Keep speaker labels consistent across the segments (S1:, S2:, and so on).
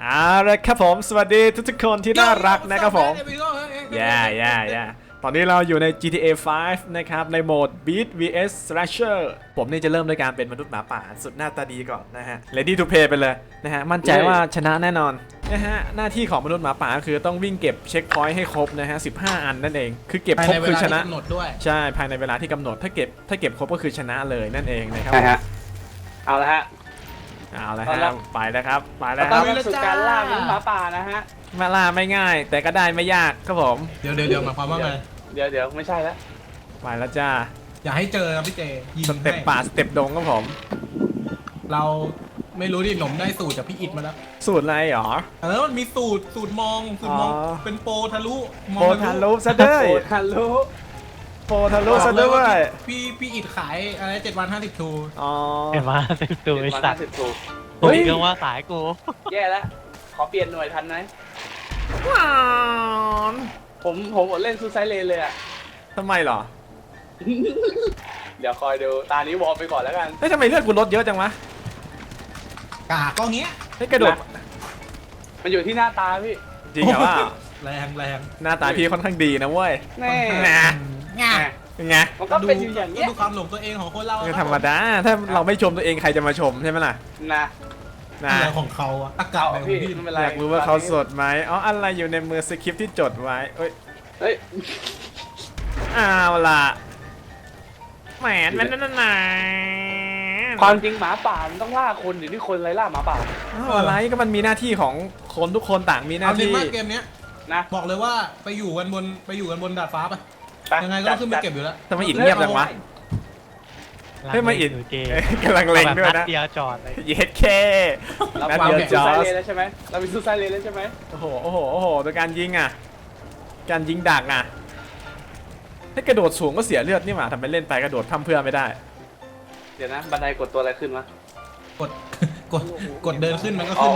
S1: เอาละครับผมสวัสดีทุกๆคนที่น่ารักนะครับผมตอนนี้เราอยู่ใน GTA 5 นะครับในโหมด Beat vs Slasher ผมนี่จะเริ่มด้วยการเป็นมนุษย์หมาป่าสุดหน้าตาดีก่อนนะฮะ Ready to play ไปเลยนะฮะมั่นใจว่าชนะแน่นอนนะฮะหน้าที่ของมนุษย์หมาป่าคือต้องวิ่งเก็บเช็คพอยต์ให้ครบนะฮะ15 อันนั่นเองคือเก็บครบคือชนะใช่ภายในเวลาที่กำหนดถ้าเก็บครบก็คือชนะเลยนั่นเองนะครับ
S2: เอาละฮะ
S1: ไปแล้วครับไปแล้วค
S2: ตอ
S1: รั
S2: น
S1: บ
S2: นี้สู่การล่ามนุษย์หมาป่านะฮะ
S1: มาล่าไม่ง่าย แต่ก็ได้ไม่ยากครับผม
S3: เดี๋ยวหมายความว่าไง
S2: เดี๋ยวไม่ใช่แล้ว
S1: ไปแล้วจ้า
S3: อย่าให้เจอนะพี่เจยิง
S1: สเต็ปป่าสเต็ปดงครับผม
S3: เราไม่รู้ดิหนมได้สูตรจากพี่อิดมาแล้ว
S1: สูตรอะไรหรอ
S3: มันมีสูตรมองเป็นโปรทะลุ
S1: โปรทะลุซะด้วย
S2: โปรทะลุ
S1: ซะด้วย
S3: พี่อิดขายอะไร7 วัน50 ทู
S1: อ๋อ
S4: 7 วัน 50 ทูไอ้สัตว์
S2: เฮ้ย
S4: ก็ว่าสายกู
S2: แย่แล้วขอเปลี่ยนหน่วยทันไหมผมอดเล่นซูไซเลนเลยอ่ะ
S1: ทำไมหรอ
S2: เดี๋ยวคอยดูตานี้วอลไปก่อนแล้วกัน
S1: เฮ้ยทำไมเลือดกูลดเยอะจังวะ
S3: กาก็เงี้ย
S1: ให้กระโดด
S2: มันอยู่ที่หน้าตาพี่
S1: จริงเหรอว่า
S3: แรง
S1: หน้าตาพี่ค่อนข้างดีนะเว้ย
S2: แน่
S1: ไง
S2: มันก็เป็นอยู่อย่างนี้
S3: ดูความหลงตัวเองของคนเรา
S1: ธรรมดาถ้าเราไม่ชมตัวเองใครจะมาชมใช่ไหมล่ะ
S3: อะไรของเขาอะอากาศอะไรของพี่
S1: อยากรู้ว่าเขาสดไหมอ๋ออะไรอยู่ในมือสคริปต์ที่จดไว้เฮ้ยเอาล่ะแหมนั่น
S2: ความจริงหมาป่ามันต้องล่าคนอยู่ที่คนไรล่าหมาป่า
S1: อะไรก็มันมีหน้าที่ของคนทุกคนต่างมีหน้าที่
S3: เอาเกมนี้นะบอกเลยว่าไปอยู่กันบนดาดฟ้าไปยังไงก็ขึ้นไปเก็บอยู่แล้ว
S1: ทำไมอิดเงียบจังวะเฮ้ยมาอิดกำลังเล็งด้วยนะ
S4: เดียวจอดเลย
S1: เย็ดแค่
S2: เราวางเป็นซูไซเลนแล้วใช่ไหมเราเป็นซูไซเลนแล้วใช่ไหม
S1: โอ้โหโดยการยิงอ่ะการยิงดักอ่ะให้กระโดดสูงก็เสียเลือดนี่หว่าทำไปเล่นไปกระโดดทำเพื่อไม่ได้
S2: เดี๋ยวนะบันไดกดตัวอะไรขึ้นวะ
S3: กดเดินขึ้นมันก็ขึ้น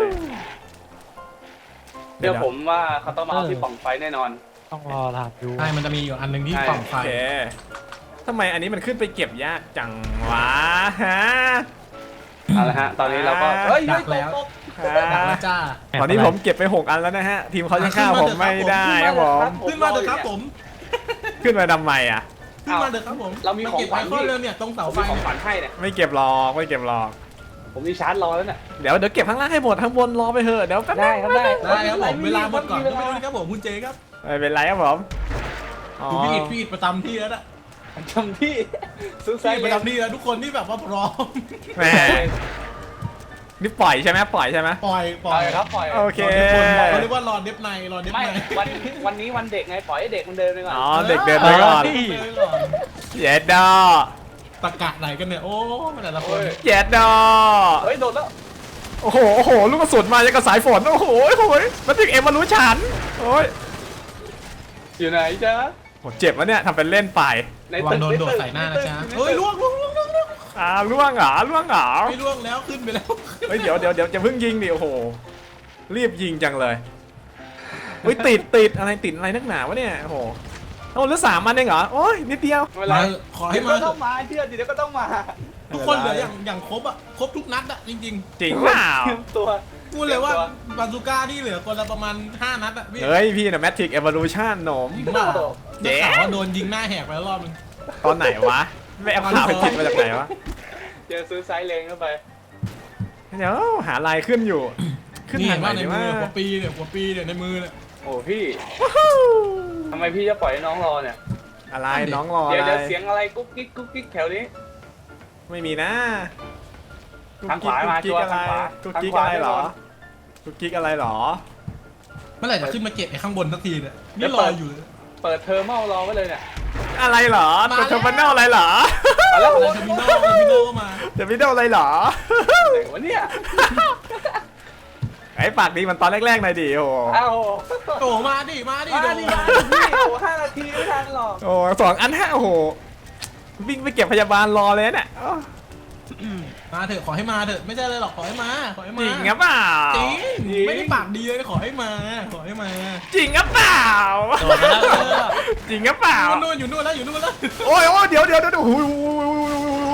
S2: เดี๋ยวผมว่าเขาต้องมาเอาที่ปล่องไฟแน่นอน
S4: ต้องรอถามดู
S3: ใช่มันจะมีอยู่อันหนึ่งที่ปล่องไฟ
S1: ทำไมอันนี้มันขึ้นไปเก็บยากจังวะฮะ
S2: เอาละฮะตอนนี้เราก็
S3: ดักแล้วจ้า
S1: ตอนนี้ผมเก็บไป6 อันแล้วนะฮะทีมเขาจะฆ่าผมไม่ได้ครับผม
S3: ขึ้นมาเถอะครับผม
S1: ขึ้นมาทำไมอ่ะ
S3: ขึ้นมาเถอะครับผม
S2: เรามีของขวัญ
S3: เริ่มเนี่ยตรงเสาไฟ
S2: ของขวัญให้เนี่ย
S1: ไม่เก็บหรอก
S2: ผมมีชาร์จรอแล้วเนี่ย
S1: เดี๋ยวเก็บข้างล่างให้หมดข้างบนรอไปเถอะเดี๋ยว
S2: ได้ครับ
S3: ผมเวลาหมดก่อนไม่รู้ครับผมคุณเจครับ
S1: ไม่เป็นไรครับผม
S3: พี่อิดประจำที่แล้วนะ
S2: ประจำที่ซื้อไซ
S3: ประจำที่แล้วทุกคนที่แบบว่าพร้อม
S1: แหมนี่ปล่อยใช่ไหม
S3: ปล่อย
S2: ครับปล่อย
S1: โอเค
S3: เขาเรียกว่ารอเด็บใน
S2: ไม่วันนี้วันเด็กไงปล่อยให้เด็กมันเดินไปก่อน
S1: อ๋อเด็กเดินไปก่อนเย็ดดอ
S3: ตะกะไหนกันเนี่ยโอ้แต่ละคน
S1: เย็ดดอ
S2: เฮ้ยโดนแล้ว
S1: โอ้โหลูกกระสุนมาจากกระสายฝนโอ้โหมันถึงเอ็มมารู้ฉันโอ้ย
S2: อยู่ไหนจ๊ะ
S1: ผมเจ็บวะเนี่ยทำเป็นเล่นไป
S3: วางโดนโดดใส่หน้านะจ๊ะเฮ้ยล่วง
S1: ล่วงเหรอไม่ล่วง
S3: แล้วขึ้นไปแล้ว
S1: เฮ้ยเดี๋ยวจะเพิ่งยิงดิโอ้โหรีบยิงจังเลยเฮ้ยติดอะไรนักหนาวะเนี่ยโอ้โหเหลือ3 อันเองเหรอโอ้ยนิดเดียว
S3: ขอให้มา
S2: ต้องมาเชื่อดิเดี๋ยวก็ต้องมา
S3: ทุกคนเหลืออย่างครบอ่ะครบทุกนัดอ่ะจริง
S1: จริงเปล่า
S2: ตัว
S3: พูดเลยว่าบาซูก้าที่เหลือคนละประมาณ5 นัดอ่ะ
S1: เฮ้ยพี่นะแมทริกเอเวอร์ลูชั่นหนม
S3: เจ๊ว่าโดนยิงหน้าแหกไปแล้วรอบนึง
S1: ตอนไหนวะไม่เอาข่าวไปผิดมาจากไหนวะ
S2: เจอซื้อไซเลงเข้าไป
S1: เดี๋ยวหาลายขึ้นอยู่
S3: ขึ้นทางไหนในมือหัวปีเนี่ยในมือเนี่ย
S2: โอ้พี่ทำไมพี่จะปล่อยให้น้องรอเนี่ย
S1: อะไรน้องรอ
S2: เดี๋ยวเสียงอะไรกุ๊กกิ๊กแถวนี้
S1: ไม่มีนะ
S2: ทางขวามาชัวร์ทางขวา
S1: กุ๊กกิ๊กอะไรหรอกุ๊กกิ๊กอะไรหรอ
S3: เมื่อไหร่จะขึ้นมาเก็บไอ้ข้างบนสักทีเนี่ยนี่รออยู่
S2: เปิดเทอร์มินอลรอไว้เลยเนี่ย
S1: อะไรหรอเปิดเทอร์มินอลอะไรหรอ
S3: แล้วเทอร์มินอลก็มา
S1: เทอร์มินอลอะไรหรอ
S2: วะเนี่ย
S1: ไอ้ปากดีมันตอนแรกๆหน่อยดิโ
S3: อ้มาดิ
S2: พี่โอ้5 นาทีไม่ทันหรอก
S1: โอ้2 อัน5โอ้โหวิ่งไปเก็บพยาบาลรอเลยเนี่ย
S3: มาเถอะขอให้มาเถอะไม่ใช่เลยหรอกขอให้มา
S1: จริงหรือเปล่า
S3: จริงไม่ได้ปากดีเลยขอให้มา
S1: จริงหรือเปล่าจริงหรือเปล่า
S3: อยู่นู่นแล้ว
S1: โอ้ยเดี๋ยวโอ้โห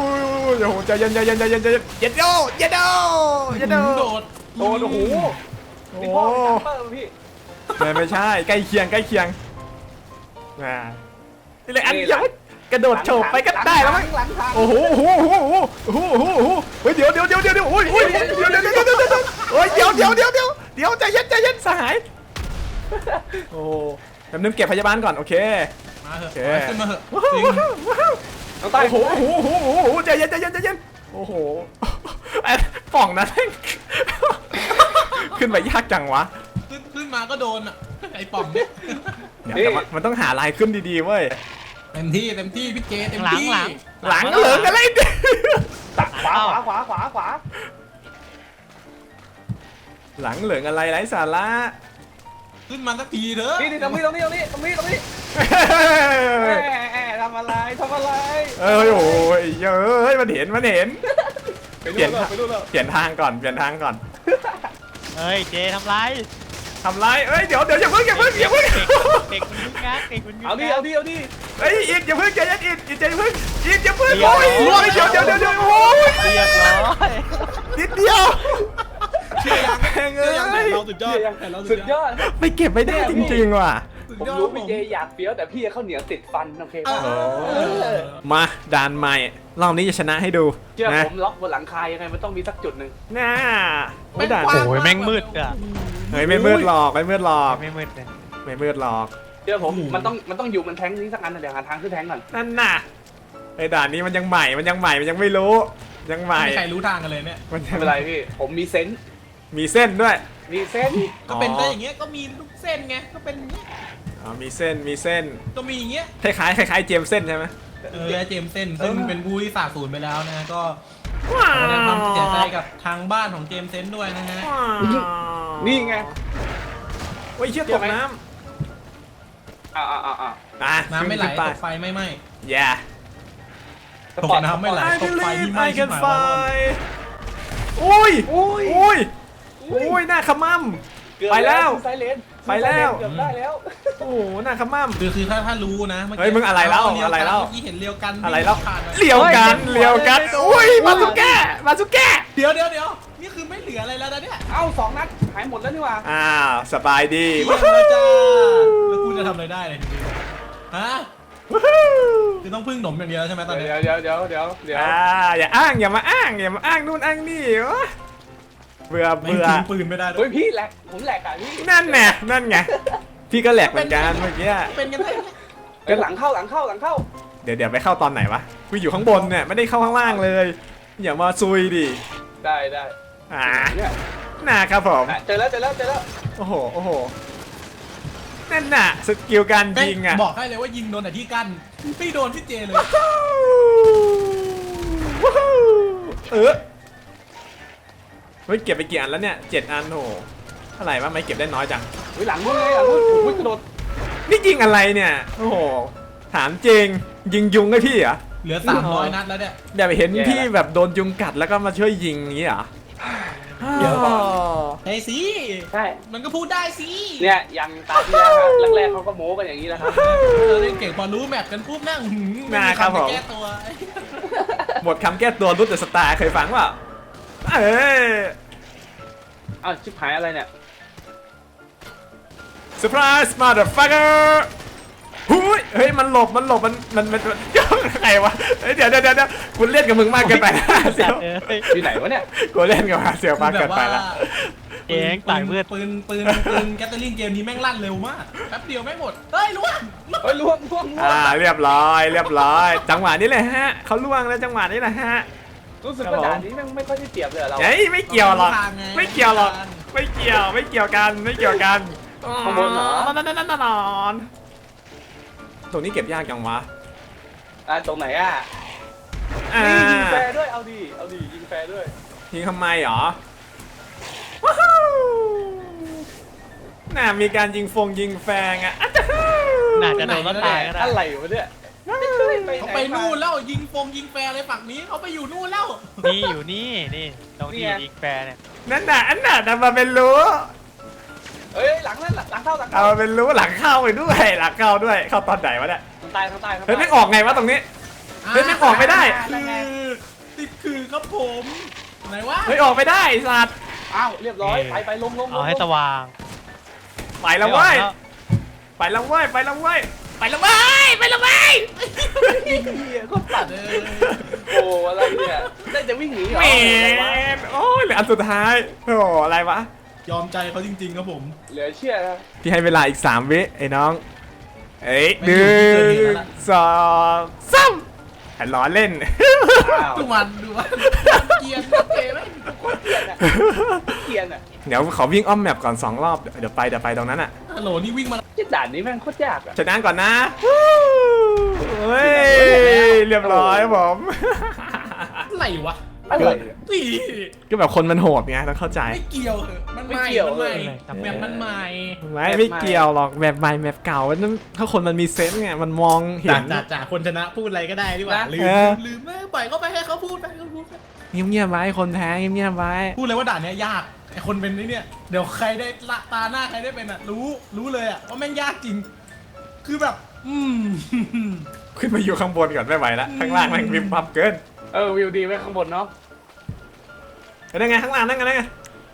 S1: ใจเย็นโดด
S2: โอ้โห
S1: โอ้
S2: พี่พ่อจัมเปอร์พี่
S1: ไม่ใช่ใกล้เคียงใกล้เคียงนี่เลยอันเดียวกระโดดโฉบไปก็ได้แล้วมั้ง
S2: หลังทาง
S1: โอ้โหโอ้โหโอ้โหโอ้โหโอ้โหเฮ้ยเดี๋ยวโอ้ยโอ้ยเดี๋ยวโอ้ยเดี๋ยวใจเย็นสหายโอ้แป๊บนึงเก็บพยาบาลก่อนโอเค
S3: มาเถอะ
S1: โอเค
S3: ขึ้นมาเถอะจริง
S2: น้องใต้
S1: โอ้โหใจเย็นโอ้โหไอ้ป่องนั้นขึ้นไปยากจังวะ
S3: ขึ้นมาก็โดนอ่ะไอ้ป่อมเนี่ย
S1: เดี๋ยวแต่มันต้องหาลายขึ้นดีๆเว้ย
S3: เต็มที่พี่เจเต็ม
S4: หลัง
S3: ที่
S4: หลัง
S1: หลังเหลืองอะไรเนี่ย
S2: ขวา
S1: หลังเหลืองอะไรไร้สาระ
S3: ขึ้นมาสักทีเถอะ
S2: นี่ตรงนี้ทำอะไร
S1: เอ้ยโอ้ยเฮ้ยมันเห็น
S2: ไปดูแล้ว
S1: เปลี่ยนทางก่อน
S4: เฮ้ยเจทำไร
S1: ทำไรเอ้ยเดี๋ยวอย่าเพิ่ง
S4: เด็กมันยึกงัก
S2: เอาดิ
S1: เฮ้ยอีกอย่าเพิ่งใจเย็นอีกใจเพิ่งอีกอย่าเพิ่งโอ้ยเดี๋ยวโอ้ย
S4: เรียบร้อย
S1: นิดเดียว
S3: เชื่อยัง
S1: แพงเอ้
S3: เชื่อยังแต่
S1: ย
S3: เราสุดยอดแต่เรา
S2: สุดยอด
S1: ไม่เก็บไม่ได้จริงๆว่ะ
S2: ผมรู้พี่เจอยากเฟี้ยวแต่พี่ข้าวเหนียวติดฟันโอเคป่ะ
S1: มาด่านใหม่รอบนี้จะชนะให้ดู
S2: เชื่อ
S1: นะ
S2: ผมล็อกบนหลังคายังไงมันต้องมีสักจุดหนึ่ง
S1: น่าไม่ด่าน
S4: โอ้ยแม่งมืดอ่ะ
S1: เฮ้ยไม่มืดหรอก
S4: ไม่มืดเลย
S1: ไม่มืดหรอก
S2: เชื่อผมมันต้องอยู่บนแท้งนี้สักอันเดี๋ยวหาทางขึ้นแท้งก่อน
S1: นั่นน่ะไอ้ด่านนี้มันยังใหม่มันยังไม่รู้ยังใหม่
S3: ไม่มีใครรู้ทางกันเลยเนี่ย
S1: มัน
S2: ไม่เป็นไรพี่ผมมีเซนส์
S1: มีเส้นด้วย
S2: มีเซนส์
S3: ก็เป็นได้อย่างเงี้ยก็มีลูกเส้นไงก็เป็นอย่างเงี้ย
S1: อ๋อมีเส้น
S3: ก็มีอย่างเงี้ย
S1: คล้ายเจมส์เส้นใช่ไหม
S3: เจมส์เส้นซึ่งเป็นผู้ที่สาบสูญไปแล้วนะก็ขอแสดงความเสียใจกับทางบ้านของเจมส์เซนด้วยนะฮะ
S2: นี่ไง
S1: โอ้ยเชี่ยตกน้
S2: อ่า
S1: ำอ่ะ
S3: น้ำไม่ไหล
S1: ขึ้ป
S3: ตกไฟไม่ไหม้
S1: yeah
S3: ตกน้ำไม่ไหล
S1: I
S3: ตกไฟที่
S1: believe
S3: ไหม้
S1: I
S3: ชิบ
S1: can
S3: หาย
S1: fly อุ้ย
S2: อุ้ย
S1: อุ้ยหน้าขมั่ม ไปแล้ว
S2: ไซเลน
S1: ไปแล้ว
S2: เกือบได้แล้ว
S1: โอ้โหหน้าขมั่ม
S3: คือถ้ารู้นะเมื่อ
S1: เฮ้ยมึงอะไรเล่าอะไรเล่า
S3: เมื่อกี้เห็นเรียวกัน
S1: อะไรแล้ว
S3: ผ่านมา
S1: เลี้ยวกันอุ้ยมาสุแก้
S3: เดี๋ยวนี่คือไม่เหลืออะไรแล้วนะเนี่ย
S2: เอ้า2 นัดหายหมดแล้วนี่หว่า
S1: อ้าวสบายดี
S3: เยี่ยมเลยจ้าแล้วคุณจะทำอะไรได้เลยทีนี้ฮะคือต้องพึ่งหนมอย่างเดียวใช่ไหมตอนนี้
S2: เดี๋ยว
S1: อย่าอ้างอย่ามาอ้างนู่นอ้างนี่วะเบื่อ
S3: ไม่ทิ้งปืนไม่ได้ด้
S2: เฮ้
S3: วย
S2: ยพี่แหลกผมแหลกอ่ะพี่
S1: นั่นไงพี่ก็แหลกเหมือนกันเมื่อกี้
S3: เป็นกันได้ไง
S2: เป็นหลังเข้า
S1: เดี๋ยวไปเข้าตอนไหนวะกูอยู่ข้างบนเนี่ยไม่ได้เข้าข้างล่างเลยอย่ามาซุยดิ
S2: ได้ เนี่ย
S1: นะครับผม
S2: เจอแล้ว
S1: โอ้โหนั่นน่ะสกิลการยิงอ่ะ
S3: บอกให้เลยว่ายิงโดนแต่ที่กั้นพี่โดนพี่เจเลย
S1: เฮ้ยเก็บไปกี่อันแล้วเนี่ย7 อันโหเท่าไหร่วะไม่เก็บได้น้อยจัง
S2: เฮ้ยหลังนู้นเลยหลังนู้นโอ้ยกระโดด
S1: นี่ยิงอะไรเนี่ยโอ้โหถามจริงยิงยุงให้พี่เหรอ
S3: เหลือ300นัดแล้วเนี่ย
S1: แบบเห็นพี่แบบโดนยุงกัดแล้วก็มาช่วยยิงอย่างนี้เหรอ
S2: เดี๋ยวก่อน
S3: เฮ้ยสิ
S2: ใช่
S3: มันก็พูดได้สิ
S2: เนี่ยยังตามที่แล้วครับแรกๆเขาก็โม้กันอย่างนี้แล้วครับ
S3: เราเล่นเก่งพอรู้แมปกันปุ๊บนั่งไม่มีคำจะแก้ตัว
S1: หมดคำแก้ตัวรุดเดอะสตาร์เคยฟังว่าเอ้ย
S2: อ้าวชิบหายอะไรเนี่ย
S1: เซอร์ไพรส์มาเดอะฟักเกอร์เฮ้ยมันหลบมันใครวะเดี๋ยวกูเล่นกับมึงมากเกินไปเสียว
S2: อยู่ไหนวะเนี่ย
S1: กูเล่นกับเสียวมากเกินไปละ
S4: เองต่ายมืด
S3: ปืนแกตเตอร์ลิงเกมนี้แม่งลั่นเร็วมากแป๊บเดียวแม่งหมดเฮ้ยล่วง
S2: เฮ้ยล่วง
S1: เรียบร้อยจังหวะนี้เลยฮะเขาล่วงแล้วจังหวะนี้แหละฮะ
S2: รู้สึกว่าด่านนี้แม่งไม่ค่อยได้เปรียบเลยเรา
S1: เฮ้ยไม่เกี่ยวหรอกไม่เกี่ยวกัน
S2: ข้างบนเหรอ
S1: นอนตรงนี้เก็บยากจังวะ
S2: ตรงไหนอ่ะ นี่ยิงแฟร์ด้วยเอาดียิงแฟร์ด้วย
S1: ยิงทำไมหรอน่ามีการยิงแฟงอ่ะ
S4: น่าจะโดนรถตายก็ได้
S2: อะไรวะเนี่ย
S3: เขาไปนู่นแล้วยิงแฟร์เลยฝั่งนี้เขาไปอยู่นู่นแล้ว
S4: นี่อยู่นี่ตรงที่ยิงแฟร์เนี่ย
S1: นั่นน่ะทำมาเป็นรู้
S2: เฮ้ยหลังเข้า
S1: เอามาเป็นรู้หลังเข้าไปด้วยเข้าตอนไหนวะเนี่ย
S2: ทางใต้
S1: เฮ้ยไม่ออกไงวะตรงนี้เฮ้ยไม่ออกไม่ได้
S3: ติดคือครับผมไหนวะ
S1: เฮ้ยออกไม่ได้สัตว์
S2: อ้าวเรียบร้อยไปลง
S4: เอาให้สว่าง
S1: ไปแล้วเว้ยไปแล้วเว้ยไปแล้วเว้ยไปแล้วเว้ยไปแล้วเว้ย
S2: ก็ปัดโอ้อะไรเนี่ยได้จะวิ่งหนีเหรอ
S1: แมนโอ้ยเหลืออันสุดท้ายโอ้อะไรวะ
S3: ยอมใจเขาจริงๆครับผม
S2: เหลือเชื่อนะ
S1: พี่ให้เวลาอีก3 วิไอ้น้องเอ้ย
S3: ไม่อยู่ที่เกิดเหตุแล้วล่ะ
S1: 1 2 3ล้อเล่น
S2: อ้าว
S3: ดูมันเกียร์เกมไหม
S2: เกลียนอ่ะ
S1: เดี๋ยวขอวิ่งอ้อมแมปก่อน2 รอบเดี๋ยวไปตรงนั้นอ่ะ
S3: ฮัลโหลนี่วิ่งมา
S2: ที่ด่านนี้แม่งโคตรยากอ่ะ
S1: ชนะก่อนนะเฮ้ยเรียบร้อยผม
S3: อะไรวะ
S2: อะไร
S3: นี่
S1: ก็แบบคนมันโหดไงต้องเข้าใจ
S3: ไม่เกี่ยวเหอะมันใหม่มันใหม่แบบมันใหม่
S1: ไม่เกี่ยวหรอกแบบใหม่แบบเก่าถ้าคนมันมีเซนส์ไงมันมองเห็น
S3: จากคนชนะพูดอะไรก็ได้ดีกว่าลืมไม่ปล่อยเขาไปให้เขาพูดไปเขาพูด
S1: เงียบๆไว้คนแพ้เงียบๆไว้
S3: พูดเลยว่าด่านเนี้ยยากไอคนเป็นนี่เนี่ยเดี๋ยวใครได้ละตาหน้าใครได้เป็นอ่ะรู้เลยอ่ะว่าแม่งยากจริง คือแบบ
S1: ขึ้นมาอยู่ข้างบนก่อนไม่ไหวแล้วข้างล่างแม่งวิบวับเกิน
S2: วิวดีไว้ข้างบนเนาะ
S1: ได้ไงข้างล่างนั่งไง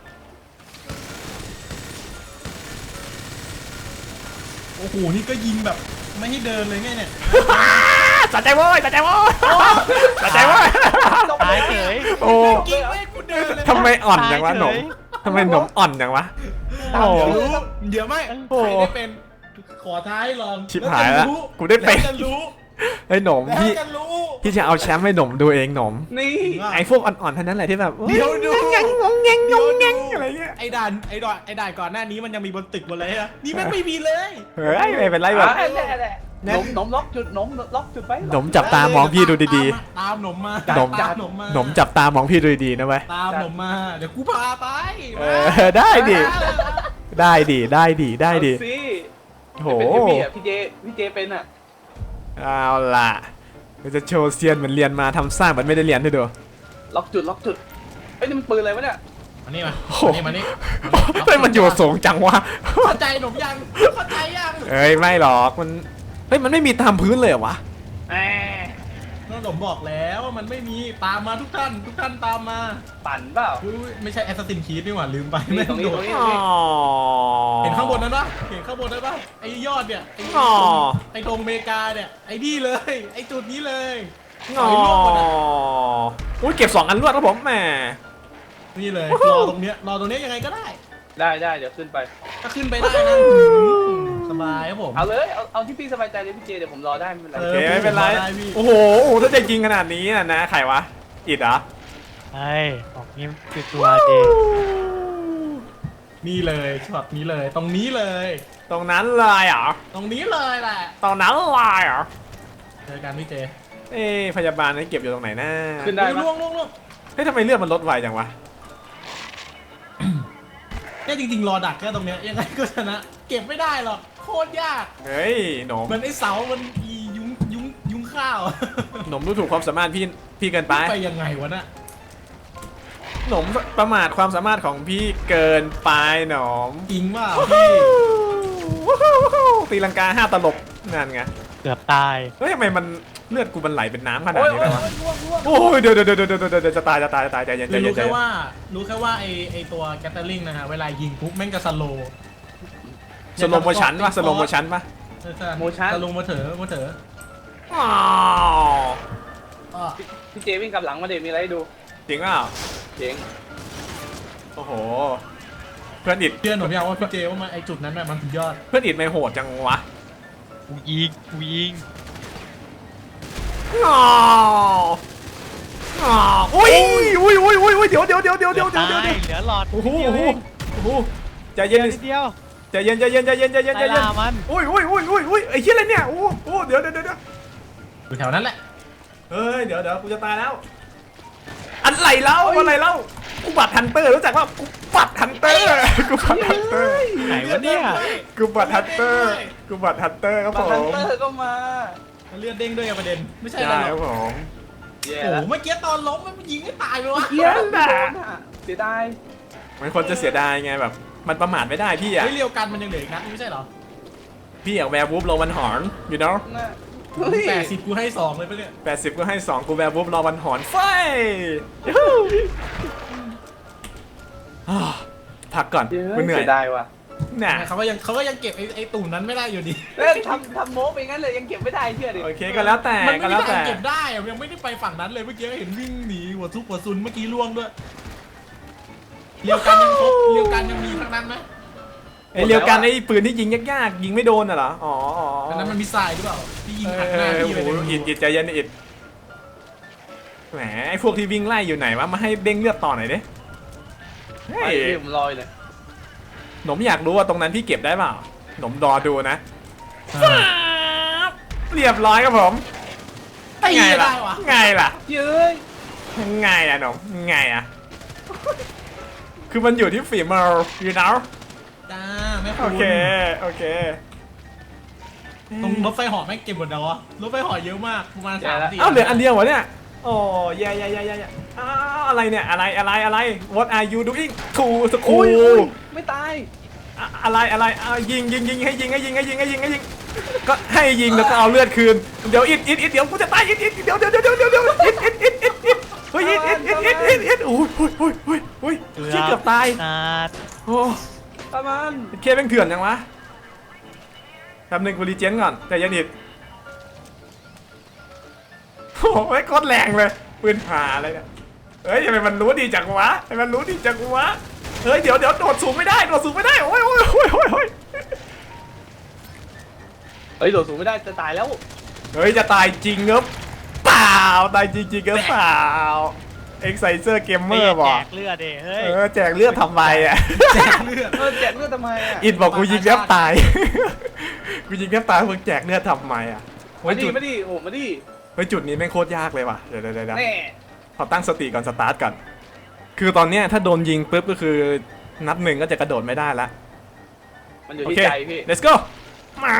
S3: โอ้โหนี่ก็ยิงแบบไม่ให้เดินเลยไงเนี่ย
S1: สะใจโว้ยสะใจโว้ยสะใจโว้ย
S4: ตายเฉย
S1: โอ้
S3: ยิงไม่ให้กูเดินเลย
S1: ทำไมอ่อนจังวะหนมทำไมหนมอ่อนจังวะโอ้
S3: เดี๋ยวไม่ใครได้เป็นขอท้ายลอง
S1: ชิบหายแล้วกูได้เป็น
S3: แล้วจะรู้
S1: ไอ้หนม
S3: แล้ว
S1: พี่
S3: จะรู้
S1: พี่จะเอาแชมป์ให้หนมดูเองหนม
S2: นี่
S1: ไอ้พวกอ่อนๆเท่านั้นแหละที่แบบ
S3: เดี๋ยวดู
S1: งงอะไรเงี้ย
S3: ไอ้ด่านก่อนหน้านี้มันยังมีบนตึกบนอะไรนะนี่แม่งไม่มีเลย
S1: เฮ้ยไม่เป็นไรแบบ
S2: แหละนมล็อกจุดนมล็อกจุดไป
S1: หนมจับตามองพี่ดูดี
S3: ตามหนมมา
S1: หนม
S3: ตามหนมมา
S1: ๆหนมจับตามองพี่ดูดีๆนะเว้ย
S3: ตามหนมมาเดี๋ยวกูพาไป
S1: ได้ดิได้ดิได้ดิได้ดิ
S2: สิ
S1: โห
S2: เป็นพี่เจเป็นอ่ะ
S1: เอาล่ะเราจะโชว์เซียนเหมือนเรียนมาทำสร้างเหมือนไม่ได้เรียนด้วยดู
S2: ล็อกจุดเอ้ยนี่มันปืนอะไรวะเนี่ย
S3: มานี่มา
S1: โอ้โห
S3: มานี่
S1: เฮ้ยมันอยู่สูงจังวะ
S3: เข้าใจหนมยังเข้าใจยัง
S1: เอ้ยไม่หรอกมันเฮ้ยมันไม่มีตามพื้นเลยเหรอวะ
S2: แหม
S3: หนมบอกแล้วว่ามันไม่มีตามมาทุกท่านตามมา
S2: ปั่นเปล่า
S3: อุ๊ยไม่ใช่แอสซัสซินคีดนี่หว่าลืมไป
S2: นี่ตรงนี้
S3: โด
S2: ตร
S3: ด
S2: งนี้
S1: อ๋อ
S3: เห็นข้างบนนั้นปะเห็นข้างบนนั้นปะไอ้ยอดเนี่ยไอ้
S1: อ๋อ
S3: ไอ้ธงอเมริกาเนี่ยไอ้นี่เลยไอ้จุดนี้เลย
S1: อ๋ออุ้ยเก็บ2 อันรวดครับผมแหม
S3: นี่เลยรอตรงเนี้ยยังไงก็ได้
S2: ได้เดี๋ยวขึ้นไป
S3: ถ้าขึ้นไปได้นะสบายครับผม
S2: เอาเลยเอาที่พี่สบายใจเลยพี่เจเดี๋ยวผมรอได้ไม่เป็นไร
S1: โอเคไม่เป็นไร
S3: ได้พี่
S1: โอ้โหถ้าจะยิงขนาดนี้นะใครวะอิดเหรอ
S4: ไอ้ออกนี่คือตัวเจ
S3: นี่เลยช็อตนี้เลยตรงนี้เลย
S1: ตรงนั้นเลยเหรอ
S3: ตรงนี้เลยแหละ
S1: ตรงนั้นเลยเหรอ
S3: เจอกันพี่เจ
S1: เอ้พยาบาลนี่เก็บอยู่ตรงไหนนะ
S2: ขึ้นได้ปะ
S3: ล่วง
S1: เฮ้ยทำไมเลือดมันลดไวจังวะ
S3: เนี่ยจริงๆรอดักแค่ตรงเนี้ยยังไงก็ชนะ เก็บไม่ได้หรอกโคตรยาก
S1: เฮ้ยหนม
S3: เหมือนไอ้เสามันอียุงข้าว
S1: หนมดูถูกความสามารถพี่เกินไป
S3: ไปยังไงวะน่ะ
S1: หนมประมาทความสามารถของพี่เกินไปหนม
S3: จริงว่าพี่
S1: ตีลังกา5 ตลบนั่นไง
S4: เกือบตาย
S1: เฮ้ยทำไมมันเลือดกูมันไหลเป็นน้ำขนาด
S2: โอ้ย
S1: นี้เลยวะ
S2: ล่วง
S1: โอ้ยเดี๋ยวจะตายใจเย็นใจ
S3: คือ
S1: เย็
S3: รู้
S1: นใจ
S3: แค่
S1: เย็น
S3: ว่าไอตัวแกตเตอร์ลิงนะฮะเวลายิงปุ๊บแม่งจะสโลว์
S1: สโลโมชันปะสโลโมชันปะ
S3: สโลมาเถอะ
S1: อ้าว
S3: อ้อ
S2: พี่เจวิ่งกลับหลังมาเดี๋ยวมีอะไรให้ดู
S1: จริงเปล่า
S2: เจ๋ง
S1: โอ้โหเพื่อนอิด
S3: เชื่อหนูยังว่าพี่เจว่ามันไอจุดนั้นน่ะมันสุดยอด
S1: เพื่อนอิดไม่โหดจังวะ
S4: กูยิง
S1: อ้าวอ้าวอุ้ยเดี๋ยว
S4: ตายเหลือหลอด
S1: โอ้โห
S4: นิดเดียวเอง
S1: ใจเย็น
S4: นิดเดียว
S1: ใจเย็น
S4: ไล่ล่ามัน
S1: อุ้ยไอ้เหี้ยอะไรเนี่ยโอ้เดี๋ยว
S3: อยู่แถวนั้นแหละ
S1: เฮ้ยเดี๋ยวกูจะตายแล้วอะไรเล่ากูบัตรฮันเตอร์รู้จักว่ากูบัตรฮันเตอร์
S4: ไหนวะเนี่ย
S1: กูบัตรฮันเตอร์ครับ
S2: บั
S1: ผ
S2: ตฮัน
S1: ม
S2: เตอร์ก็มา
S3: เลือดเด้งด้วยกับประเด็นไม่ใช่อะไร
S1: ใช่
S3: ห
S1: ค
S3: ร
S1: รั
S3: อบ ก
S1: ผม
S2: แย่
S3: โอ้โห
S2: แล้ว
S3: เมื่อกี้ตอนล้มมันยิงให้ตายไปวะ
S2: เยี่ยมนะเสียดาย
S1: มันควรจะเสียดายไงแบบ มันประมาทไม่ได้พี่อ่ะ
S3: เฮ้ยเรียวกันมันยังเหลืออีกนัดนึงไม่ใช่เหรอ
S1: พี่อยากแวร์วูฟรอวันหอนอยู่เนาะ
S2: นะเฮ้ย
S3: 80กูให้2เลยปะเนี่ย
S1: 80ก็ให้2กูแวร์วูฟรอวันหอนไฟอ้าวพักก่อนกูเหนื่อย
S2: เสียดายว่ะ
S1: น่ะ
S3: เขาก็ยังเก็บไอ้ตุ่มนั้นไม่ได้อยู่ดี
S2: ทำโม้ไปงั้นเลยยังเก็บไม่ได้เชื่อดิ
S1: โอเคก็แล้วแต่
S3: มัน
S1: ก็
S3: ไม่
S1: แล้
S3: ได้
S1: วแต่
S3: เก็บได้อะยังไม่ได้ไปฝั่งนั้นเลยเมื่อกี้เห็นวิ่งหนีหัวทุกหัวซุนเมื่อกี้ล่วงด้วยเรียวกันยังครบเรียวกันยังมีทั้งนั้นไหม
S1: ไอ้เรียวกันไอ้ปืนที่ยิงยากๆยิงไม่โดนน่ะเหรออ๋อ
S3: อันนั้นมันมีทรายหรือเปล่าที่ยิง
S1: เอ
S3: หักหน้า
S1: อ
S3: พี่ไป
S1: โอ้
S3: เลย
S1: โหอิดใจเย็นอิดแหมไอ้พวกที่วิ่งไล่อยู่ไหนวะมาให้เด้งเลือดต่อหน่อยดิเฮ้
S2: ไอ้
S1: ย
S2: ที่ผมลอยเลย
S1: หนมอยากรู้ว่าตรงนั้นพี่เก็บได้เปล่าหนมรอดูนะ เรียบร้อยครับผม
S3: ตี
S1: ไง
S3: ไม่
S1: ล่ะ
S3: ได้วะ
S1: ไงล่ะ
S2: เย้ย
S1: ไงอ่ะหนมไงอ่ะคือมันอยู่ที่ฝีมือ you know
S3: จ้าแม่คุ
S1: โอ
S3: ณ
S1: เคโอเค
S3: ตรงรถไฟเหาะแม่งเก็บหมดแล้ววะรถไฟเหาะเยอะมากประมาณ3-4
S1: เอ้าเหลืออันเดียวเหรอเนี่ยโอ้แย่อ้าวอะไรเนี่ยอะไร what are you doing to สกู
S2: อุ้ยไม่ตาย
S1: อะไรยิงให้ยิงก็ให้ยิงแล้วก็เอาเลือดคืนเดี๋ยวอิดเดี๋ยวกูจะตายอิดเดี๋ยวอิดเฮ้ยอิดโอ้ยชิเกือบตาย
S4: นาด
S1: โอ้
S2: ประมาณ
S1: เคแม่งเถื่อนยังวะแป๊บนึงกูรีเจนก่อนแต่ยันอิดโอ้ยโคตรแรงเลยปืนหาอะไรเนี่ยเฮ้ยทำไมมันรู้ดีจังวะเฮ้ยเดี๋ยวโดดสูงไม่ได้โอ้ย
S2: เฮ้ยโดดสูงไม่ได้จะตายแล้ว
S1: เฮ้ยจะตายจริงเหรอเปล่าตายจริงๆก็เปล่าเอ็กไซเซอร์เกมเมอร์บ
S4: แจ
S1: อก
S4: กเลือดเด้เฮ้ย
S1: แจกเลือดทำไมอ่ะ
S3: แจกเลือด
S2: แจกเลือดทำไมอ่ะ
S1: อินบอกกูยิงแทบตาย กูยิงแทบตายมึงแจกเลือดทำไมอ่ะ
S2: มาดิโอ้มาดิ
S1: เฮ้ยจุดนี้แม่งโคตรยากเลยว่ะเดี๋ยว
S2: แน่
S1: ขอตั้งสติก่อนสตาร์ทก่อนคือตอนเนี้ยถ้าโดนยิงปุ๊บก็คือนับหนึ่งก็จะกระโดดไม่ได้ละ
S2: มันอยู่
S1: โอ
S2: ที่
S1: เค
S2: ใจพี่
S1: let's go มา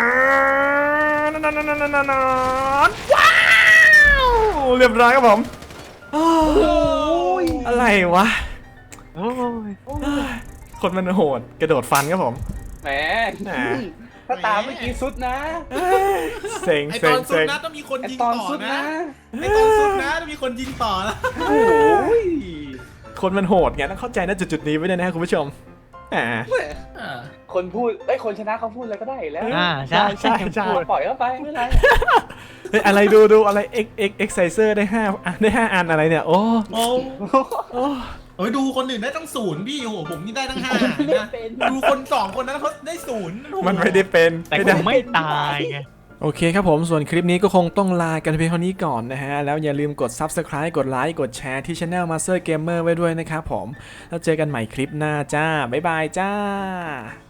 S1: ว้าวเรียบร้อยครับผมอ้าว
S2: โอ้ย
S1: อะไรวะ
S4: โอ้ย
S1: คนมันโหดกระโดดฟันครับผม
S2: แหมถ้าตามเมื่อกี้สุดนะ
S1: เซ็ง
S3: ไอต
S1: เซ็
S3: อง นสุด
S1: เซ็ง
S3: นะต้องมีคน
S2: ไอ
S3: ยิง
S2: ต
S3: ต่
S2: อ
S3: อน
S2: สุด
S3: นะ
S2: นะ
S3: ไอตอนสุดนะต้องมีคนยิงต่อนะ
S2: โอ้ย
S1: คนมันโหดไงต้องเข้าใจนะจุดนี้ไว้ด้วยนะครับคุณผู้ชมแหม
S2: คนพูดคนชนะเขาพูดอะไรก็ได้แล้ว
S1: ใช่
S2: ปล่อยเข้าไปไม่เป็นไร
S1: เฮ้ยอะไรดูอะไร exerciser ได้5ได้5อันอะไรเนี่ยโอ้
S3: โอ้
S1: โอ้
S3: โอ้ยดูคนอื่นได้ตั้ง0พี่โอ้โหผมนี่ได้ตั้ง5นะดูคน2คนนั้นเขาได้0
S1: มันไม่ได้เป็น
S4: แต่
S1: ไม่
S4: กู
S1: ได้
S4: ไม่ตายไง
S1: โอเคครับผมส่วนคลิปนี้ก็คงต้องลากันเพียงเท่านี้ก่อนนะฮะแล้วอย่าลืมกด Subscribe กดไลค์กดแชร์ที่ Channel Master Gamer ไว้ด้วยนะครับผมแล้วเจอกันใหม่คลิปหน้าจ้าบ๊ายบายจ้า